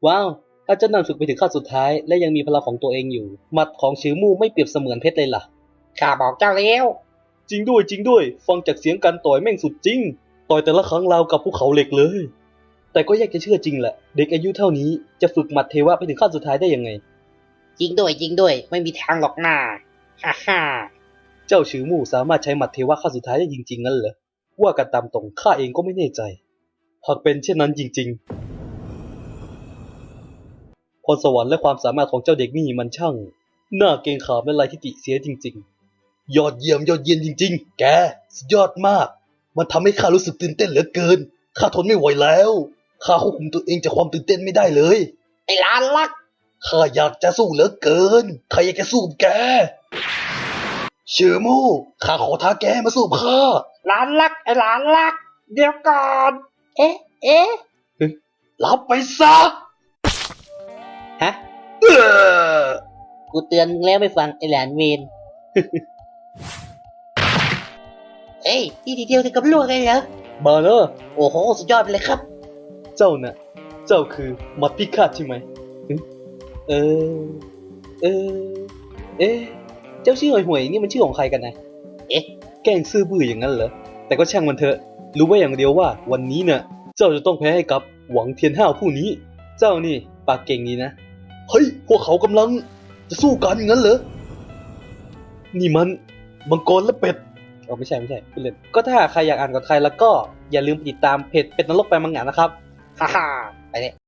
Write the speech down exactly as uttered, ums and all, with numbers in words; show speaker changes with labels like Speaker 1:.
Speaker 1: ว้าวถ้าเจ้านั่นฝึกไปถึงขั้นสุดท้ายและยังมีพลังของตัวเองอยู่หมัดของชิวมู่ไม่เปรียบเสมือนเพชรเลยล่ะ
Speaker 2: ข้าบอกเจ้าแล้ว
Speaker 1: จริงด้วยจริงด้วยฟังจากเสียงการต่อยแม่งสุดจริงต่อยแต่ละครั้งราวกับภูเขาเหล็กเลยแต่ก็ยากจะเชื่อจริงแหละเด็กอายุเท่านี้จะฝึกหมัดเทวะไปถึงขั้นสุดท้ายได้ยังไง
Speaker 2: จริงด้วยจริงด้วยไม่มีทางหรอกหน้าฮ่าฮ่า
Speaker 1: เจ้าชิวมู่สามารถใช้หมัดเทวะขั้นสุดท้ายได้จริงๆงั้นเหรอว่ากันตามตรงข้าเองก็ไม่แน่ใจหากเป็นเช่นนั้นจริงๆพรสวรรค์และความสามารถของเจ้าเด็กนี่มันช่างน่าเกรงขามและลายทิฐิเสียจริงๆยอดเยี่ยมยอดเยี่ยมจริงๆแกสุดยอดมากมันทำให้ข้ารู้สึกตื่นเต้นเหลือเกินข้าทนไม่ไหวแล้วข้าควบคุมตัวเองจากความตื่นเต้นไม่ได้เลย
Speaker 2: ไอ้หลานลัก
Speaker 1: ข้าอยากจะสู้เหลือเกินข้าอยากจะสู้กับแกเชื่อมู่ข้าขอท้าแกให้มาสู้กับข้า
Speaker 2: หลานลักไอ้หลานลัก เดี๋ยวก่อน เอ๊ะเอ๊ะ
Speaker 1: รับไปซะ
Speaker 2: ฮะ
Speaker 1: เออ
Speaker 2: กูเตือนมึงแล้วไม่ฟังไอ้หลานเวน เอ้ยที่ทีเดียวถึงกับลวกเลยเหรอ
Speaker 1: มาเนอะ
Speaker 2: โอ้โหสุดยอดไปเลยครับ
Speaker 1: เจ้าน่ะ เจ้าคือมัดพิฆาตใช่ไหมหึเออ เออ เอ๊ะ เจ้าชื่อห่วยๆนี่มันชื่อของใครกันนะ
Speaker 2: เอ๊ะ
Speaker 1: แกล้งซื่อบื้ออย่างนั้นเหรอ แต่ก็ช่างมันเถอะ รู้ไว้อย่างเดียวว่าวันนี้น่ะ เจ้าจะต้องแพ้ให้กับหวังเทียนห้าวผู้นี้ เจ้านี่ปากเก่งนี้นะ เฮ้ย พวกเขากำลังจะสู้กันอย่างนั้นเหรอ นี่มันมังกรและเป็ดอ๋อไม่ใช่ไม่ใช่พูดเล่นก็ถ้าใครอยากอ่านกับใครแล้วก็อย่าลืมติดตามเพจเป็ดนรกไปมังงะนะครับ
Speaker 2: ฮ่าฮ่าไปเลย